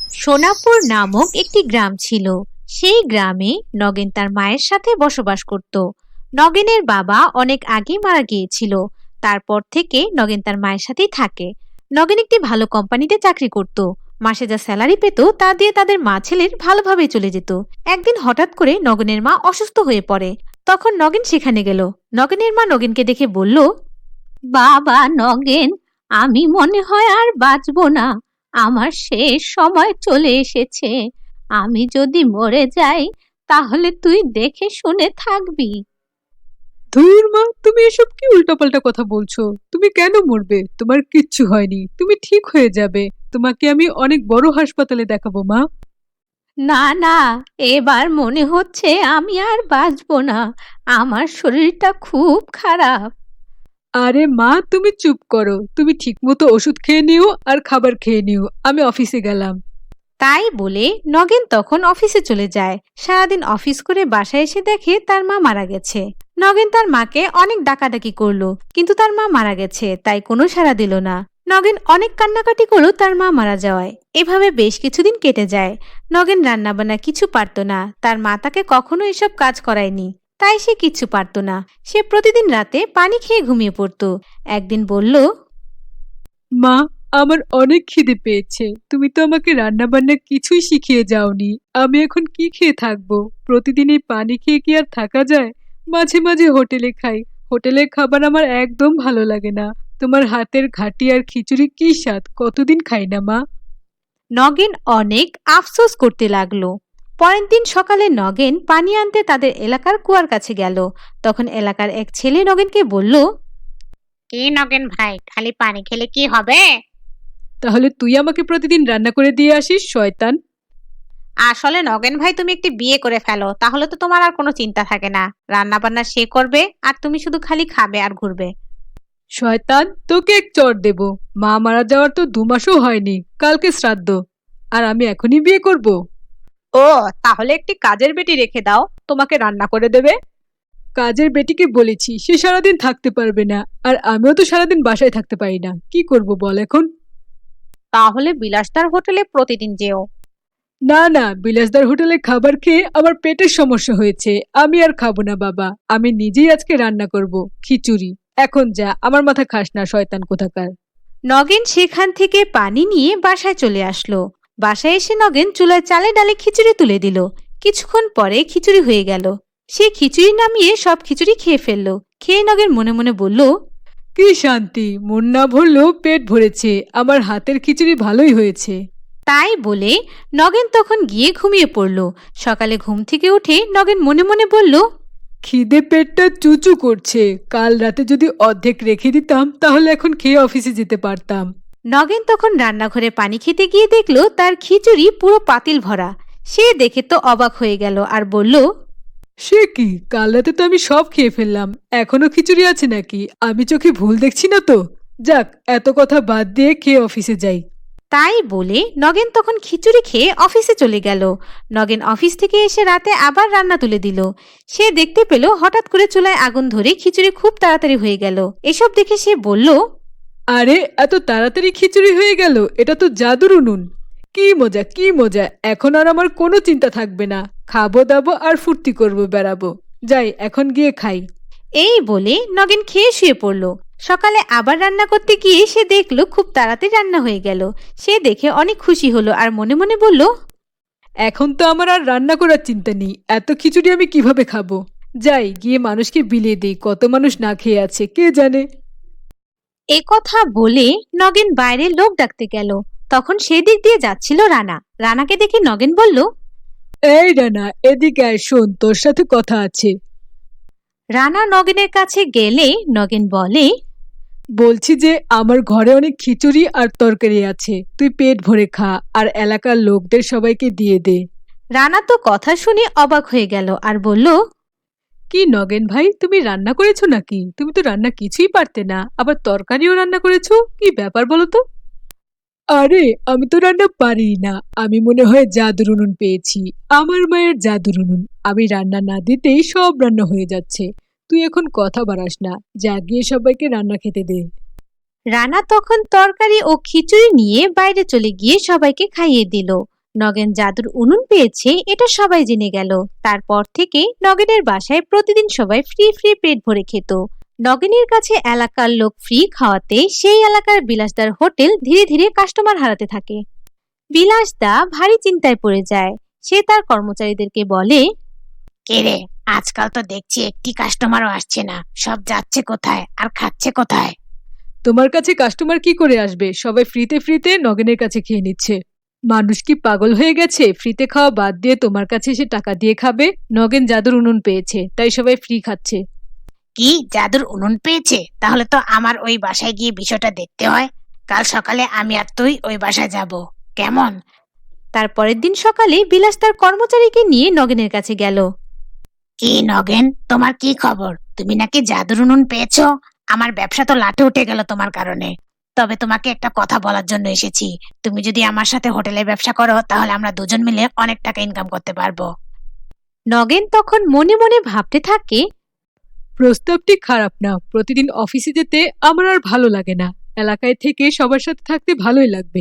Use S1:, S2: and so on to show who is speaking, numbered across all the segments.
S1: সোনাপুর নামক একটি গ্রাম ছিল। সেই গ্রামে নগেন তার মায়ের সাথে বসবাস করত। নগেনের বাবা অনেক আগে মারা গিয়েছিল। তারপর থেকে নগেন তার মায়ের সাথেই থাকে। নগেন একটি ভালো কোম্পানিতে চাকরি করত। মাসে যা স্যালারি পেত তা দিয়ে তাদের মা ছেলের ভালোভাবে চলে যেত। একদিন হঠাৎ করে নগেনের মা অসুস্থ হয়ে পড়ে। তখন নগেন সেখানে গেল। নগেনের মা নগেনকে দেখে বলল, বাবা নগেন, আমি মনে হয় আর বাঁচবো না। আমার শেষ সময় চলে এসেছে। আমি যদি মরে যাই তাহলে তুই দেখে শুনে থাকবি।
S2: ধুর মা, তুমি এসব কি উল্টাপাল্টা কথা বলছো? তুমি কেন মরবে? তোমার কিচ্ছু হয়নি, তুমি ঠিক হয়ে যাবে। তোমাকে আমি অনেক বড় হাসপাতালে দেখাবো মা।
S1: না না, এবার মনে হচ্ছে আমি আর বাঁচবো না। আমার শরীরটা খুব খারাপ।
S2: আরে মা, তুমি চুপ করো। তুমি ঠিকমতো ওষুধ খেয়ে নিও আর খাবার খেয়ে নিও। আমি অফিসে গেলাম।
S1: তাই বলে নগেন তখন অফিসে চলে যায়। সারাদিন অফিস করে বাসায় এসে দেখে তার মা মারা গেছে। নগেন তার মাকে অনেক ডাকাডাকি করলো, কিন্তু তার মা মারা গেছে তাই কোনো সাড়া দিল না। নগেন অনেক কান্নাকাটি করলো তার মা মারা যাওয়ায়। এভাবে বেশ কিছুদিন কেটে যায়। নগেন রান্নাবান্না কিছু পারতো না। তার মা তাকে কখনো এসব কাজ করায়নি, তাই সে কিচ্ছু পারতো না। সে প্রতিদিন রাতে পানি খেয়ে ঘুমিয়ে পড়তো। একদিন বলল,
S2: মা, আমার অনেক খিদে পেয়েছে। তুমি তো আমাকে রান্না বান্না কিছুই শিখিয়ে যাওনি। আমি এখন কি খেয়ে থাকবো? প্রতিদিন এই পানি খেয়ে কি আর থাকা যায়? মাঝে মাঝে হোটেলে খাই। হোটেলের খাবার আমার একদম ভালো লাগে না। তোমার হাতের ঘাটি আর খিচুড়ি কি স্বাদ! কতদিন খাই না মা।
S1: নগেন অনেক আফসোস করতে লাগলো। পরের দিন সকালে নগেন পানি আনতে তাদের এলাকার কুয়ার কাছে গেল। তখন এলাকার এক ছেলে নগেনকে বলল,
S3: কি নগেন ভাই, খালি পানি খেলে কি হবে?
S2: তাহলে তুই আমাকে প্রতিদিন রান্না করে দিয়ে আসিস, শয়তান।
S3: আসলে নগেন ভাই, তুমি একটি বিয়ে করে ফেলো, তাহলে তো তোমার আর কোনো চিন্তা থাকে না। রান্না বান্না সে করবে আর তুমি শুধু খালি খাবে আর ঘুরবে।
S2: শয়তান, তোকে এক চড় দেব। মা মারা যাওয়ার তো 2 মাসও হয়নি, কালকে শ্রাদ্ধ। আর আমি এখনই বিয়ে করব?
S3: ও, তাহলে একটি কাজের বেটি রেখে দাও, তোমাকে রান্না করে দেবে।
S2: কাজের বেটিকে বলেছি, সে সারাদিন থাকতে পারবে না। আর আমিও তো সারাদিন বাসায় থাকতে পারি না। কি করব বল এখন?
S3: তাহলে বিলাসদার হোটেলে প্রতিদিন যেও।
S2: না না, বিলাসদার হোটেলে খাবার খেয়ে আমার পেটের সমস্যা হয়েছে। আমি আর খাবো না বাবা। আমি নিজেই আজকে রান্না করব খিচুড়ি। এখন যা, আমার মাথা খাস না, শয়তান কোথাকার।
S1: নগেন সেখান থেকে পানি নিয়ে বাসায় চলে আসলো। বাসায় এসে নগেন চুলায় চালে ডালে খিচুড়ি তুলে দিল। কিছুক্ষণ পরে খিচুড়ি হয়ে গেল। সে খিচুড়ি নামিয়ে সব খিচুড়ি খেয়ে ফেললো। খেয়ে নগেন মনে মনে বলল,
S2: কি শান্তি! মন না ভরলেও পেট ভরেছে। আমার হাতের খিচুড়ি ভালোই হয়েছে।
S1: তাই বলে নগেন তখন গিয়ে ঘুমিয়ে পড়ল। সকালে ঘুম থেকে উঠে নগেন মনে মনে বলল,
S2: খিদে পেটটা চুচু করছে। কাল রাতে যদি অর্ধেক রেখে দিতাম তাহলে এখন খেয়ে অফিসে যেতে পারতাম।
S1: নগেন তখন রান্নাঘরে পানি খেতে গিয়ে দেখলো তার খিচুড়ি পুরো পাতিল ভরা। সে দেখে তো অবাক হয়ে গেল আর বলল,
S2: সে কি! কাল রাতে তো আমি সব খেয়ে ফেললাম। এখনো খিচুড়ি আছে নাকি? আমি চোখে ভুল দেখছি না তো? যাক, এত কথা বাদ দিয়ে খেয়ে অফিসে যাই।
S1: তাই বলে নগেন তখন খিচুড়ি খেয়ে অফিসে চলে গেল। নগেন অফিস থেকে এসে রাতে আবার রান্না তুলে দিল। সে দেখতে পেল হঠাৎ করে চুলায় আগুন ধরে খিচুড়ি খুব তাড়াতাড়ি হয়ে গেল। এসব দেখে সে বলল,
S2: আরে, এত তাড়াতাড়ি খিচুড়ি হয়ে গেল! এটা তো জাদুর উনুন। কি মজা, কি মজা! এখন আর আমার কোনো চিন্তা থাকবে না। খাবো দাবো আর ফুর্তি করবো, বেড়াবো। যাই, এখন গিয়ে খাই।
S1: এই বলে নগেন খেয়ে শুয়ে পড়ল। সকালে আবার রান্না করতে গিয়ে সে দেখলো খুব তাড়াতাড়ি রান্না হয়ে গেল। সে দেখে অনেক খুশি হলো আর মনে মনে বলল,
S2: এখন তো আমার আর রান্না করার চিন্তা নেই। এত খিচুড়ি আমি কিভাবে খাবো? যাই, গিয়ে মানুষকে বিলিয়ে দিই। কত মানুষ না খেয়ে আছে কে জানে।
S1: এ কথা বলে নগেন বাইরে লোক ডাকতে গেল। তখন সেদিক দিয়ে যাচ্ছিল রানা। রানাকে দেখে নগেন বলল,
S2: এই রানা, এদিকে আয়, শোন, তোর সাথে কথা আছে।
S1: রানা নগেনের কাছে গেলে নগেন বলে,
S2: বলছি যে আমার ঘরে অনেক খিচুড়ি আর তরকারি আছে। তুই পেট ভরে খা আর এলাকার লোকদের সবাইকে দিয়ে দে।
S1: রানা তো কথা শুনে অবাক হয়ে গেল আর বলল,
S2: কি নগেন ভাই, তুমি রান্না করেছো নাকি? তুমি তো রান্না কিছুই পারতে না, আবার তরকারিও রান্না করেছো। কি ব্যাপার বলো তো? আরে, আমি তো রান্না পারি না। আমি মনে হয় জাদুর উনুন পেয়েছি। আমার মায়ের জাদুর উনুন। আমি রান্না না দিতেই সব রান্না হয়ে যাচ্ছে। তুই এখন কথা বাড়াস না। যা, গিয়ে সবাইকে রান্না খেতে দে।
S1: রানা তখন তরকারি ও খিচুড়ি নিয়ে বাইরে চলে গিয়ে সবাইকে খাইয়ে দিল। নগেন জাদুর উনুন পেয়েছে এটা সবাই জেনে গেল। তারপর থেকে নগেনের বাসায় প্রতিদিন সবাই ফ্রি ফ্রি পেট ভরে খেত। নগেনের কাছে এলাকার লোক ফ্রি খাওয়াতে সেই এলাকার বিলাসদার হোটেল ধীরে ধীরে কাস্টমার হারাতে থাকে। বিলাসদা ভারী চিন্তায় পড়ে যায়। সে তার কর্মচারীদেরকে বলে,
S3: কে রে, আজকাল তো দেখছি একটি কাস্টমারও আসছে না, সব যাচ্ছে কোথায় আর খাচ্ছে কোথায়?
S2: তোমার কাছে কাস্টমার কি করে আসবে? সবাই ফ্রিতে ফ্রিতে নগেনের কাছে খেয়ে নিচ্ছে। মানুষ কি পাগল হয়ে গেছে? ফ্রিতে খাওয়া বাদ দিয়ে তোমার কাছে এসে টাকা দিয়ে খাবে? নগেন জাদুর উনুন পেয়েছে, তাই সবাই ফ্রি খাচ্ছে।
S3: কি জাদুর উনুন পেয়েছে? তাহলে তো আমার ওই বাসায় গিয়ে বিষয়টা দেখতে হয়। কাল সকালে আমি আর তুই ওই বাসায় যাব, কেমন?
S1: তার পরের দিন সকালে বিলাস তার কর্মচারীকে নিয়ে নগেনের কাছে গেল।
S3: কি নগেন, তোমার কি খবর? তুমি নাকি জাদুর উনুন পেয়েছো? আমার ব্যবসা তো লাটে উঠে গেল তোমার কারণে। তবে তোমাকে একটা কথা বলার জন্য এসেছি। তুমি যদি আমার সাথে হোটেলের ব্যবসা করো তাহলে আমরা দুজন মিলে অনেক টাকা ইনকাম করতে পারবো।
S1: নগেন তখন মনে মনে ভাবতে থাকে,
S2: প্রস্তাবটি খারাপ না। প্রতিদিন অফিসে যেতে আমার আর ভালো লাগে না। এলাকায় থেকে সবার সাথে থাকতে ভালোই লাগবে।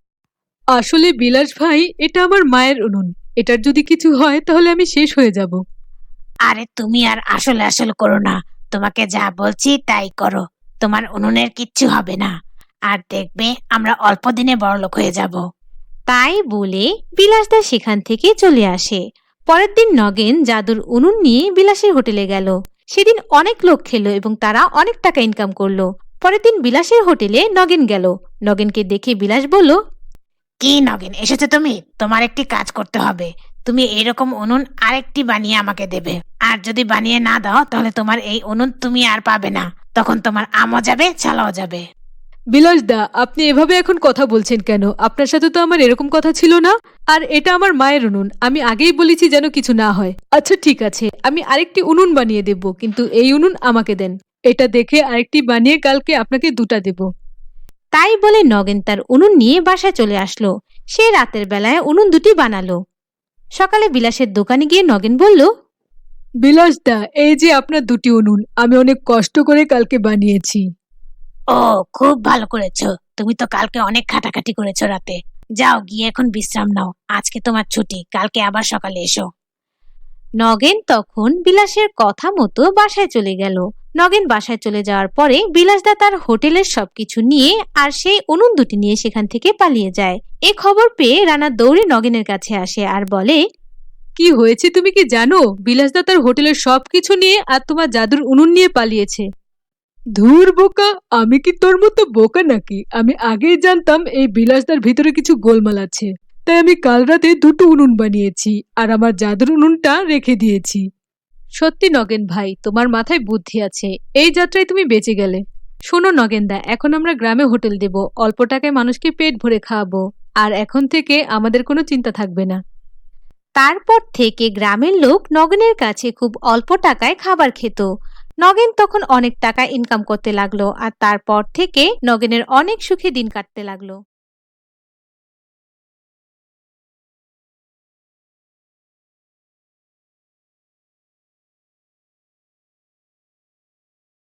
S2: আসলে বিলাস ভাই, এটা আমার মায়ের উনুন। এটার যদি কিছু হয় তাহলে আমি শেষ হয়ে যাব।
S3: আরে তুমি আর আসলে আসলে করো না, তোমাকে যা বলছি তাই করো। তোমার উনুনের কিচ্ছু হবে না, আর দেখবে আমরা অল্প দিনে বড়লোক হয়ে যাব।
S1: তাই বলে বিলাসদা সেখান থেকে চলে আসে। পরের দিন নগেন জাদুর উনুন নিয়ে বিলাসের হোটেলে গেল। সেদিন অনেক লোক খেলো এবং তারা অনেক টাকা ইনকাম করলো। পরের দিন বিলাসের হোটেলে নগেন গেল। নগেনকে দেখে বিলাস বলল,
S3: কি নগেন, এসেছো তুমি? তোমার একটি কাজ করতে হবে। তুমি এইরকম উনুন আরেকটি বানিয়ে আমাকে দেবে। আর যদি বানিয়ে না দাও তাহলে তোমার এই উনুন তুমি আর পাবে না। তখন তোমার আমও যাবে, ছালাও যাবে।
S2: বিলাস দা, আপনি এভাবে এখন কথা বলছেন কেন? আপনার সাথে তো আমার এরকম কথা ছিল না। আর এটা আমার মায়ের উনুন, আমি আগেই বলেছি যেন কিছু না হয়। আচ্ছা ঠিক আছে, আমি আরেকটি উনুন বানিয়ে দেব, কিন্তু এই উনুন আমাকে দেন। এটা দেখে আরেকটি বানিয়ে কালকে আপনাকে দুটা দেব।
S1: তাই বলে নগেন তার উনুন নিয়ে বাসায় চলে আসলো। সে রাতের বেলায় উনুন দুটি বানালো। সকালে বিলাসের দোকানে গিয়ে নগেন বলল,
S2: বিলাস দা, এই যে আপনার দুটি উনুন, আমি অনেক কষ্ট করে কালকে বানিয়েছি।
S3: ও, খুব ভালো করেছো। তুমি তো কালকে অনেক খাটাখাটি করেছো রাতে। যাও গিয়ে এখন বিশ্রাম নাও, আজকে তোমার ছুটি, কালকে আবার সকালে এসো।
S1: নগেন তখন বিলাসের কথা মতো বাসায় চলে গেল। নগেন বাসায় চলে যাওয়ার পরে বিলাসদা তার হোটেলের সবকিছু নিয়ে আর সেই উনুন দুটি নিয়ে সেখান থেকে পালিয়ে যায়। এ খবর পেয়ে রানা দৌড়ে নগেনের কাছে আসে আর বলে,
S2: কি হয়েছে তুমি কি জানো? বিলাসদা তার হোটেলের সবকিছু নিয়ে আর তোমার জাদুর উনুন নিয়ে পালিয়েছে। ধুর বোকা, আমি কি তোর মতো বোকা নাকি? আমি আগেই জানতাম এই বিলাসদার ভিতরে কিছু গোলমাল আছে। তাই আমি কাল রাতে দুটো উনুন বানিয়েছি আর আমার জাদুর উনুনটা রেখে দিয়েছি। সত্যি নগেন ভাই, তোমার মাথায় বুদ্ধি আছে। এই যাত্রায় তুমি বেঁচে গেলে। শোনো নগেনদা, এখন আমরা গ্রামে হোটেল দেব, অল্প টাকায় মানুষকে পেট ভরে খাওয়াবো। আর এখন থেকে আমাদের কোনো চিন্তা থাকবে না।
S1: তারপর থেকে গ্রামের লোক নগেনের কাছে খুব অল্প টাকায় খাবার খেত। নগেন তখন অনেক টাকা ইনকাম করতে লাগলো আর তারপর থেকে নগেনের অনেক সুখে দিন কাটতে লাগলো।